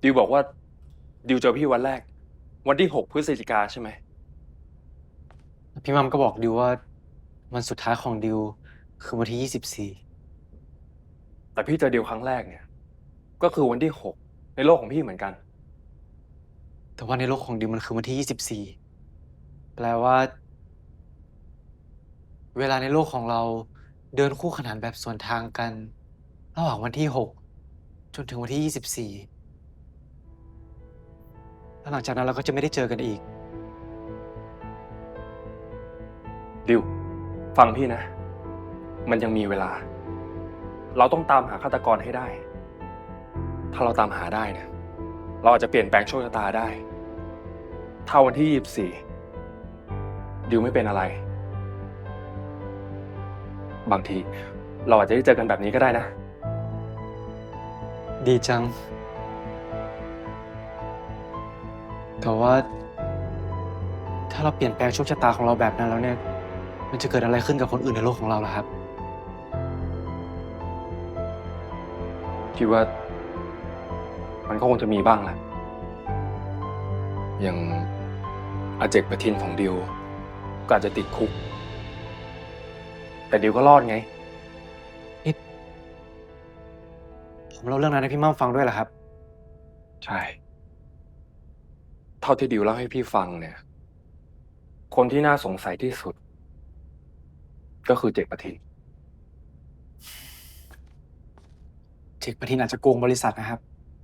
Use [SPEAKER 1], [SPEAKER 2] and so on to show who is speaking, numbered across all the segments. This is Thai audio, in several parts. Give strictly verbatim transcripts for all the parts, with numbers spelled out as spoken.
[SPEAKER 1] ดิวบอกว่าดิวเจอพี่วันแรกวันที่หกพฤศจิกาใช่ไหม
[SPEAKER 2] พี่มัมก็บอกดิวว่าวันสุดท้ายของดิวคือวันที่ยี่สิบสี่
[SPEAKER 1] แต่พี่เจอดิวครั้งแรกเนี่ยก็คือวันที่หกในโลกของพี่เหมือนกัน
[SPEAKER 2] แต่ว่าในโลกของดิวมันคือวันที่ยี่สิบสี่แปลว่าเวลาในโลกของเราเดินคู่ขนานแบบสวนทางกันระหว่างวันที่หกจนถึงวันที่ยี่สิบสี่แล้วหลังจากนั้นเราก็จะไม่ได้เจอกันอีก
[SPEAKER 1] ดิวฟังพี่นะมันยังมีเวลาเราต้องตามหาฆาตกรให้ได้ถ้าเราตามหาได้เนี่ยเราอาจจะเปลี่ยนแปลงโชคชะตาได้ถ้าวันที่ยี่สิบสี่ดิวไม่เป็นอะไรบางทีเราอาจจะได้เจอกันแบบนี้ก็ได้นะ
[SPEAKER 2] ดีจังแต่ว่าถ้าเราเปลี่ยนแปลงโชคชะตาของเราแบบนั้นแล้วเนี่ยมันจะเกิดอะไรขึ้นกับคนอื่นในโลกของเราล่ะครับ
[SPEAKER 1] คิดว่ามันก็คงจะมีบ้างแหละอย่างอาเจกประทินของดิวก็อาจจะติดคุกแต่ดิวก็รอดไง
[SPEAKER 2] นี่ผมเล่าเรื่องนั้นให้พี่มัมฟังด้วยเหรอครับ
[SPEAKER 1] ใช่ เท่าที่ดิวเล่าให้พี่ฟังเนี่ย คนที่น่าสงสัยที่สุด ก็คือเจกประทิน
[SPEAKER 2] เจกประทินอาจจะโกงบริษัทนะครับ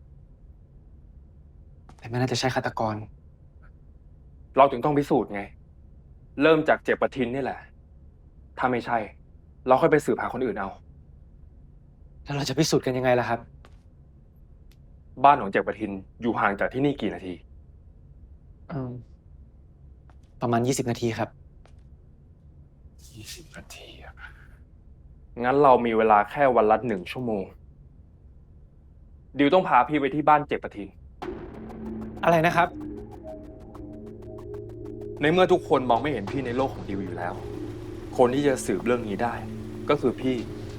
[SPEAKER 2] แต่ไม่น่าจะใช่ฆาตกร
[SPEAKER 1] เราถึงต้องพิสูจน์ไง เริ่มจากเจกประทินนี่แหละ ถ้าไม่ใช่ เราค่อยไปสืบหาคนอื่นเอา
[SPEAKER 2] แล้วเราจะพิสูจน์กันยังไงล่ะครับ
[SPEAKER 1] บ้านของเจกประทินอยู่ห่างจากที่นี่กี่นาที
[SPEAKER 2] อืมประมาณยี่สิบนาทีครับ
[SPEAKER 1] ยี่สิบนาทีอะงั้นเรามีเวลาแค่วันละหนึ่งชั่วโมง ดิวต้องพาพี่ไปที่บ้านเจกประทิน
[SPEAKER 2] อะไรนะครับ
[SPEAKER 1] ในเมื่อทุกคนมองไม่เห็นพี่ในโลกของดิวอยู่แล้ว คนที่จะสืบเรื่องนี้ได้ ก็คือพี่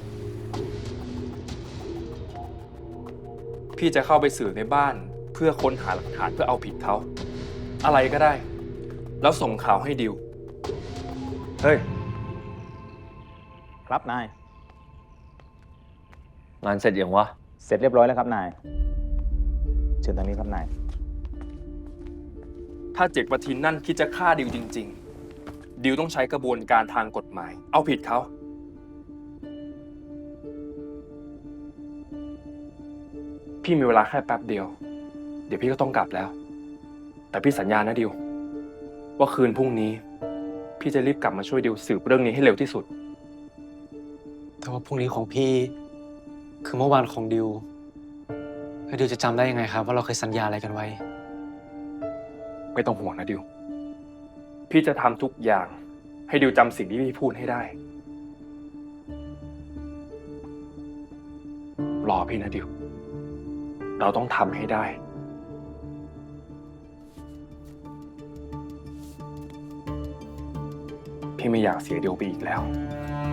[SPEAKER 1] พี่จะเข้าไปสืบในบ้านเพื่อค้นหาหลักฐานเพื่อเอาผิดเขา อะไรก็ได้ แล้วส่งข่าวให้ดิว
[SPEAKER 3] เฮ้ย ครับนาย
[SPEAKER 4] งานเสร็จยังวะ
[SPEAKER 3] เสร็จเรียบร้อยแล้วครับนาย เชิญทางนี้ครับนาย
[SPEAKER 1] ถ้าเจกประทินนั่นคิดจะฆ่าดิวจริงๆ ดิวต้องใช้กระบวนการทางกฎหมาย เอาผิดเขา พี่มีเวลาแค่แป๊บเดียว เดี๋ยวพี่ก็ต้องกลับแล้ว แต่พี่สัญญานะดิว ว่าคืนพรุ่งนี้ พี่จะรีบกลับมาช่วยดิวสืบเรื่องนี้ให้เร็วที่สุด
[SPEAKER 2] แต่ว่าพรุ่งนี้ของพี่ คือเมื่อวานของดิวแล้วดิวจะจำได้ยังไงครับว่าเราเคยสัญญาอะไรกันไว้
[SPEAKER 1] ไม่ต้องห่วงนะดิว พี่จะทำทุกอย่างให้ดิวจำสิ่งที่พี่พูดให้ได้ รอพี่นะดิว เราต้องทำให้ได้ พี่ไม่อยากเสียดิวไปอีกแล้ว